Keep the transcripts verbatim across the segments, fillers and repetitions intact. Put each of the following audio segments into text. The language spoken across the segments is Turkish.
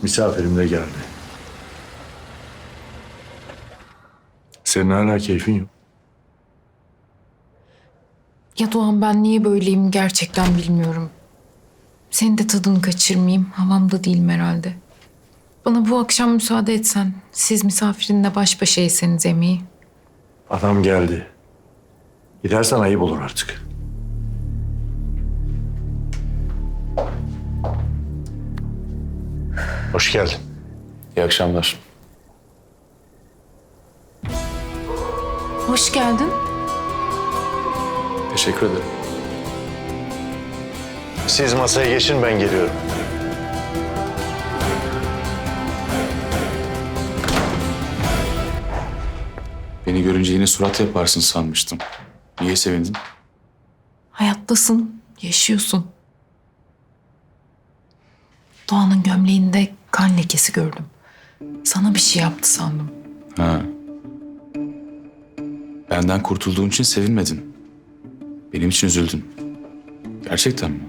Misafirim de geldi. Senin hala keyfin yok. Ya Doğan, ben niye böyleyim gerçekten bilmiyorum. Senin de tadını kaçırmayayım. Havamda değilim herhalde. Bana bu akşam müsaade etsen. Siz misafirinle baş başa yeseniz yemeği. Adam geldi. Gidersen ayıp olur artık. Hoş geldin. İyi akşamlar. Hoş geldin. Teşekkür ederim. Siz masaya geçin, ben geliyorum. Beni görünce yine surat yaparsın sanmıştım. Niye sevindin? Hayattasın, yaşıyorsun. Doğan'ın gömleğinde kan lekesi gördüm. Sana bir şey yaptı sandım. Ha. Benden kurtulduğun için sevinmedin. Benim için üzüldün. Gerçekten mi?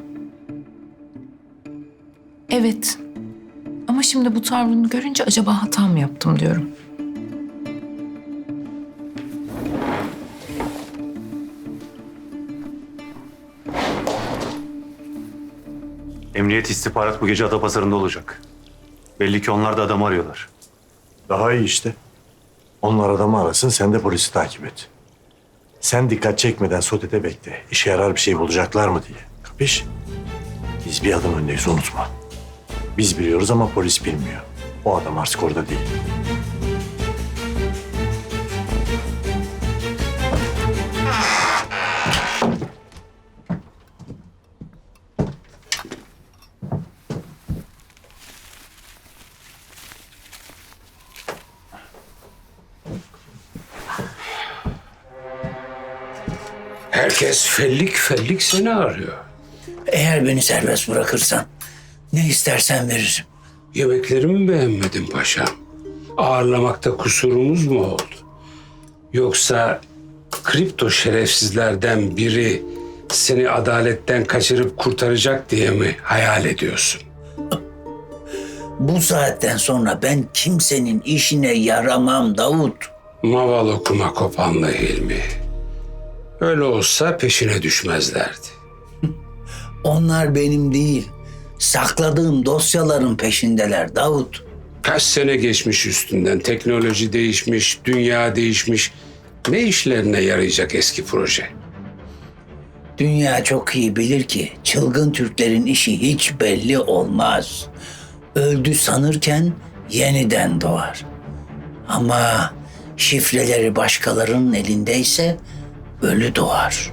Evet. Ama şimdi bu tavrını görünce acaba hata mı yaptım diyorum. Emniyet istihbarat bu gece Adapazarı'nda olacak. Belli ki onlar da adam arıyorlar. Daha iyi işte. Onlar adamı arasın, sen de polisi takip et. Sen dikkat çekmeden sotede bekle. İşe yarar bir şey bulacaklar mı diye. Kapış? Biz bir adım öndeyiz, unutma. Biz biliyoruz ama polis bilmiyor. O adam artık orada değil. Herkes fellik fellik seni arıyor. Eğer beni serbest bırakırsan ne istersen veririm. Yemeklerimi beğenmedin paşam. Ağırlamakta kusurumuz mu oldu? Yoksa kripto şerefsizlerden biri seni adaletten kaçırıp kurtaracak diye mi hayal ediyorsun? Bu saatten sonra ben kimsenin işine yaramam Davut. Maval okuma kopanlı Hilmi. Öyle olsa peşine düşmezlerdi. Onlar benim değil, sakladığım dosyaların peşindeler Davut. Kaç sene geçmiş üstünden, teknoloji değişmiş, dünya değişmiş. Ne işlerine yarayacak eski proje? Dünya çok iyi bilir ki çılgın Türklerin işi hiç belli olmaz. Öldü sanırken yeniden doğar. Ama şifreleri başkalarının elindeyse ölü doğar.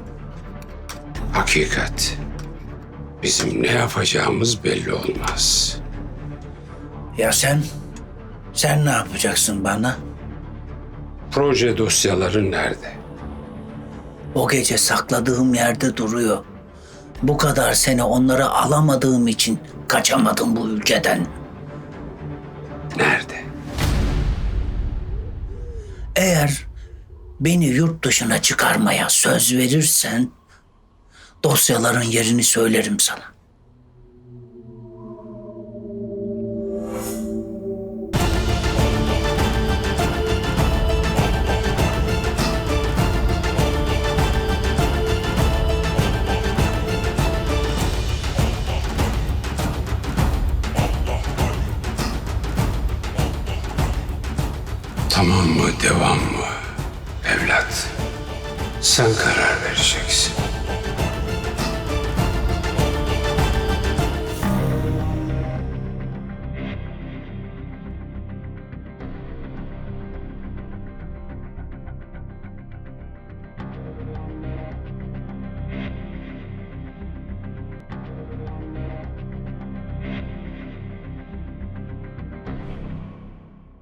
Hakikat. Bizim ne yapacağımız belli olmaz. Ya sen? Sen ne yapacaksın bana? Proje dosyaları nerede? O gece sakladığım yerde duruyor. Bu kadar sene onları alamadığım için kaçamadım bu ülkeden. Nerede? Eğer beni yurt dışına çıkarmaya söz verirsen dosyaların yerini söylerim sana. Tamam mı, devam mı? Evlat, sen karar vereceksin.